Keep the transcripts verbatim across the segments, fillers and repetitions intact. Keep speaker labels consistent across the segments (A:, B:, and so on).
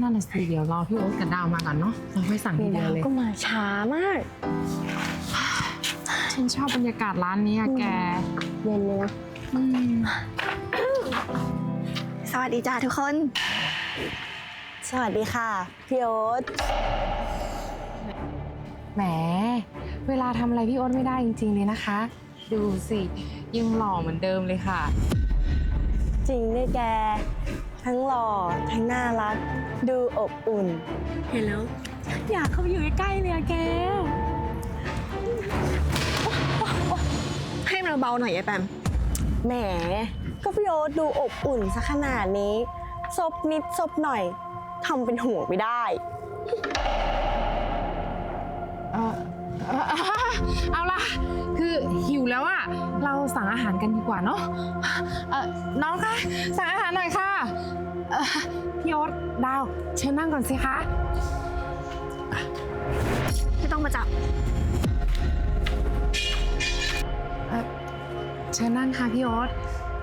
A: นั่นน่ะสิเดี๋ยวรอพี่โอ๊ตกับดาวมาก่อนเนาะเราค่อยสั่งทีเดียวเลย
B: ก็มาช้ามาก
A: ฉันชอบบรรยากาศร้านนี้อะแก
B: เย็นเลยนะ
A: อืม
B: สวัสดีจ้าทุกคน สวัสดีค่ะพี่โอ๊ต
A: แหมเวลาทำอะไรพี่โอ๊ตไม่ได้จริงๆเลยนะคะ ดูสิยังหล่อเหมือนเดิมเลยค่ะ
B: จริงด้วยแก ทั้งหล่อทั้งน่ารัก ดูอบอุ่น เห็นแล้ว
A: อยากเข้าไปอยู่ใกล้ๆเลยอะแก
B: ให้มันเบาหน่อยไอ้แปมแหมก็พี่โอ๊ตดูอบอุ่นซะขนาดนี้ซบนิดซบหน่อยทำเป็นห่วงไม่ได้
A: เออเอ่อเอาล่ะ คือหิวแล้วอะเราสั่งอาหารกันดีกว่าเนาะเออน้องคะสั่งอาหารหน่อยค่ะเอ่อพี่โอ๊ตดาวเชิญนั่งก่อนสิคะ
B: ไม่ต้องมาจับ
A: เอ่อเชิญนั่งค่ะพี่โอ๊ต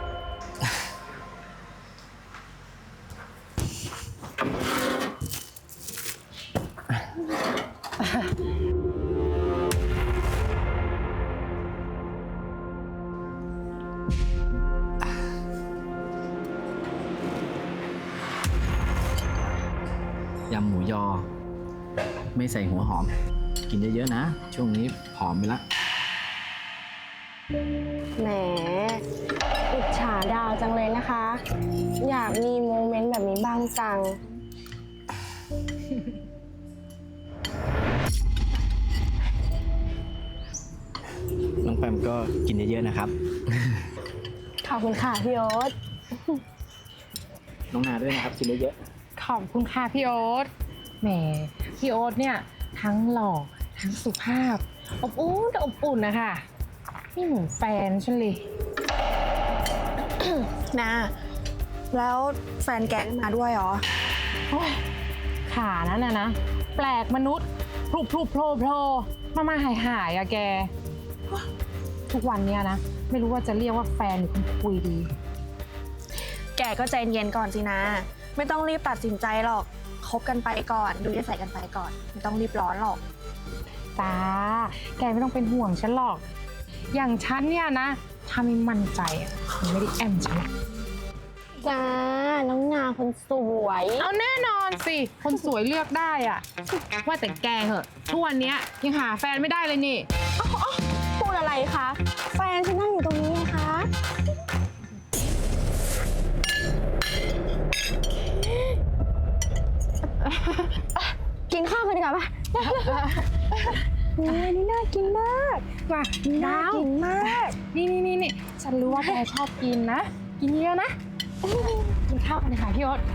C: ยำหมูยอ ไม่ใส่หัวหอม กินเยอะๆนะ ช่วงนี้ผอมไปละ
B: แหมอิจฉาดาวจังเลยนะคะ อยากมีโมเมนต์แบบนี้บ้างจัง
C: น้องแปมก็กินเยอะๆนะครับ
B: ขอบคุณค่ะพี่โอ๊ต
C: น้องนาด้วยนะครับ กินเยอะ
A: ขอบคุณค่ะพี่โอ๊ตแหมพี่โอ๊ตเนี่ยทั้งหล่อทั้งสุภาพ อบอุ่นอบอุ่นนะคะนี่เหมือนแฟนฉันเลย
B: นะแล้วแฟนแกมาด้วยเหรอ
A: โอ้ยขานั้นน่ะนะ แปลกมนุษย์พลุบพลุบโผล่โผล่มามาหายหายอะแก ทุกวันเนี้ยนะ ไม่รู้ว่าจะเรียกว่าแฟนหรือคนคุยดี
B: แกก็ใจเย็นก่อนสินะ ไม่ต้องรีบตัดสินใจหรอกคบกันไปก่อน ดูนิสัยกันไปก่อน ไม่ต้องรีบร้อนหรอก
A: จ้า แกไม่ต้องเป็นห่วงฉันหรอก อย่างฉันเนี่ยนะ ถ้าไม่มั่นใจอะมันไม่ได้แอมฉันหรอก
B: จ้า น้องนาคนสวย
A: เอาแน่นอนสิ คนสวยเลือกได้อะว่าแต่แกเหอะทุกวันเนี้ยยังหาแฟนไม่ได้เลยนี่
B: พูดอะไรคะ แฟนฉันนั่งอยู่ตรงนี้ไงคะ กินข้าวกันดีกว่าปะนี่นี่น่ากินมาก
A: ว่า
B: น่า
A: ดาว
B: กินมาก
A: นี่นี่นี่นี่ฉันรู้ว่าแกชอบกินนะ กินเยอะนะ กินข้าวกันเลยค่ะพี่โอ๊ต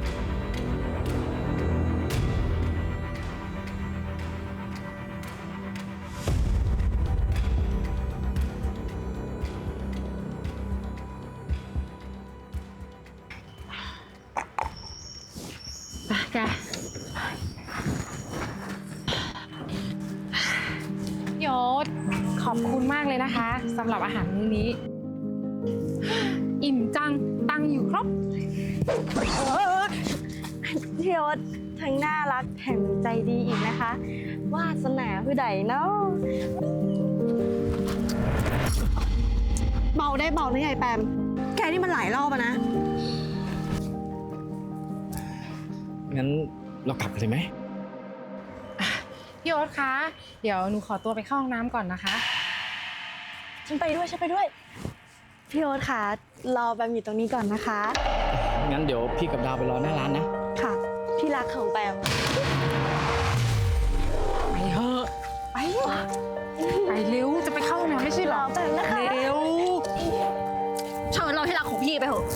A: ไปแกพี่โอ๊ตขอบคุณมากเลยนะคะสำหรับอาหารมื้อนี้ อิ่มจัง ตังค์อยู่ครบ
B: พี่โอ๊ตทั้งน่ารักแถมใจดีอีกนะคะ วาสนาผู้ใดเนาะเบาได้เบานะยายแปม แกนี่มันหลายรอบอะนะ
C: ๆ งั้นเรากลับกันเลยไหม
A: พี่โอ๊ตคะ เดี๋ยวหนูขอตัวไปเข้าห้องน้ำก่อนนะคะ
B: ฉันไปด้วยฉันไปด้วย พี่โอ๊ตค่ะรอแปมอยู่ตรงนี้ก่อนนะคะ
C: งั้นเดี๋ยวพี่กับดาวไปรอหน้าร้านนะ
B: ค่ะ ที่รักของแปม
A: ไปเถอะไป ไปเร็ว จะไปเข้าห้องน้ำไม่ใช่เหรอ
B: รอแป๊บนะคะ
A: เร็ว
B: เชิญเราที่รักของพี่ไปเถอะ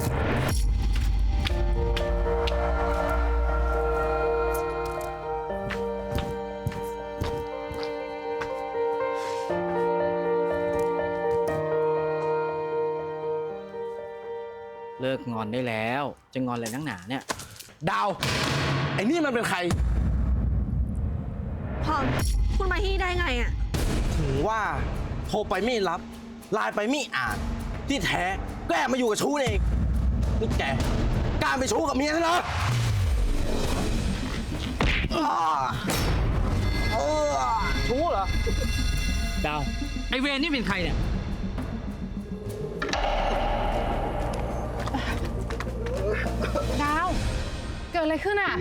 C: เลิกงอนได้แล้ว จะงอนอะไรนักหนาเนี่ย
D: ดาว ไอ้นี่มันเป็นใคร
B: พอมคุณมาที่นี่ได้ไงอะ
D: ถึงว่าโทรไปไม่รับ ไลน์ไปไม่อ่าน ที่แท้ก็แอบมาอยู่กับชู้เอง นี่แกกล้าไปชู้กับเมียฉันเหรอ
C: ดาว ไอเวรนี่เป็นใครเนี่ย
A: ดาว เกิดอะไรขึ้นอ่ะ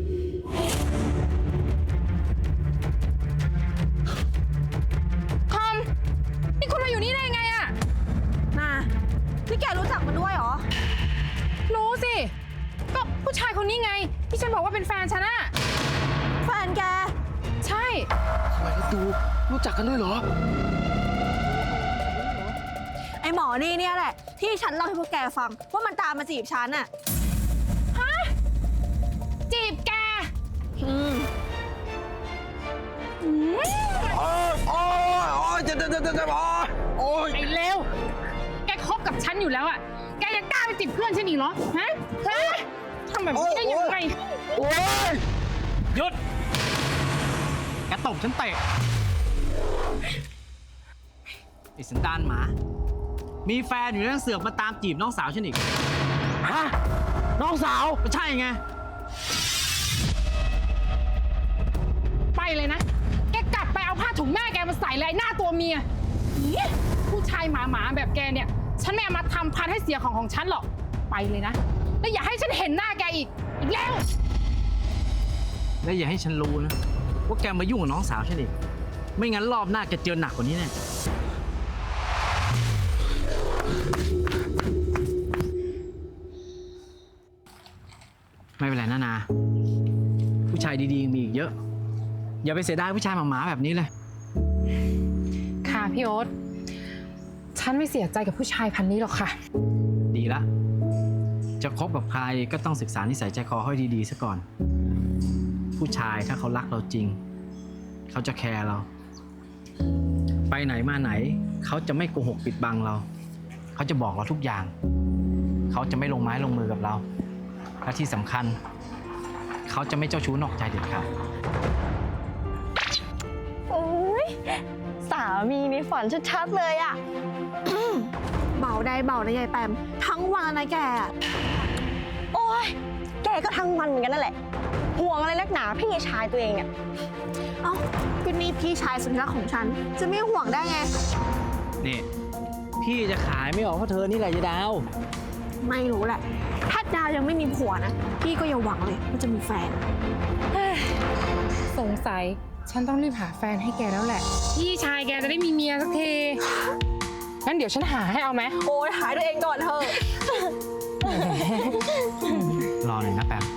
A: คอม นี่คุณมาอยู่นี่ได้ยังไงอ่ะ
B: นานี่แกรู้จักมันด้วยเหรอ
A: รู้สิ ก็ผู้ชายคนนี้ไง ที่ฉันบอกว่าเป็นแฟนฉันอะ
B: แฟนแก
A: ใช่
D: ทำไมดูรู้จักกันด้วยเหรอ
B: ไอหมอนี่เนี่ยแหละ ที่ฉันเล่าให้พวกแกฟัง ว่ามันตามมาจีบฉันอะ
A: จีบแก
B: อืม
A: อืม
D: โอ้ยโอ้ยโอ้ยเจ็บเจ็บเจ็บเจ็บโอ้ยโอ้ย
A: ไอ้เลวแกคบกับฉันอยู่แล้วอะแกยังกล้าไปจีบเพื่อนฉันอีกเหรอ ฮะ ฮะทำแบบนี้ได้ยังไง
D: โอ้ย
C: หยุด แกตบฉันเตะไอ้สันดานหมา มีแฟนอยู่แล้วยังเสือกมาตามจีบน้องสาวฉันอีก
D: ฮะ น้องสาว
C: ก็ใช่ไง
A: ไปเลยนะ แกกลับไปเอาผ้าถุงแม่แกมาใส่เลยไอ้หน้าตัวเมียอี๋ผู้ชายหมาหมาๆแบบแกเนี่ย ฉันไม่เอามาทำพันให้เสียของของฉันหรอก ไปเลยนะ แล้วอย่าให้ฉันเห็นหน้าแกอีก อีกแล้ว
C: และอย่าให้ฉันรู้นะ ว่าแกมายุ่งกับน้องสาวฉันอีก ไม่งั้นรอบหน้าแกเจอหนักกว่านี้แน่ ไม่เป็นไรนะนา ผู้ชายดีๆมีอีกเยอะ อย่าไปเสียดายผู้ชายหมาๆแบบนี้เลย
A: ค่ะพี่โอ๊ต ฉันไม่เสียใจกับผู้ชายพันนี้หรอกค่ะ
C: ดีละ จะคบกับใครก็ต้องศึกษานิสัยใจคอให้ดีๆซะก่อน ผู้ชายถ้าเขารักเราจริง เขาจะแคร์เรา ไปไหนมาไหน เขาจะไม่โกหกปิดบังเรา เขาจะบอกเราทุกอย่าง เขาจะไม่ลงไม้ลงมือกับเรา และที่สำคัญ เขาจะไม่เจ้าชู้นอกใจเด็ดขาด
B: โอ้ยสามีในฝันชัดๆเลยอะอืมเบาได้เบาได้ยายแปมทั้งวันนะแกอะโอ้ยแกก็ทั้งวันเหมือนกันนั่นแหละ ห่วงอะไรนักหนาพี่ชายตัวเองเนี่ย เอ้าก็นี่พี่ชายสุดที่รักของฉัน จะไม่ห่วงได้ไง
C: นี่ พี่จะขายไม่ออกเพราะเธอนี่แหละยายดาว
B: ไม่รู้แหละ ถ้าดาวยังไม่มีผัวนะ พี่ก็อย่าหวังเลยว่าจะมีแฟน
A: สงสัยฉันต้องรีบหาแฟนให้แกแล้วแหละ พี่ชายแกจะได้มีเมียสักที งั้นเดี๋ยวฉันหาให้เอาไหม
B: โอ้ยหายตัวเองก่อนเถอะ
C: รอหน่อยนะแปม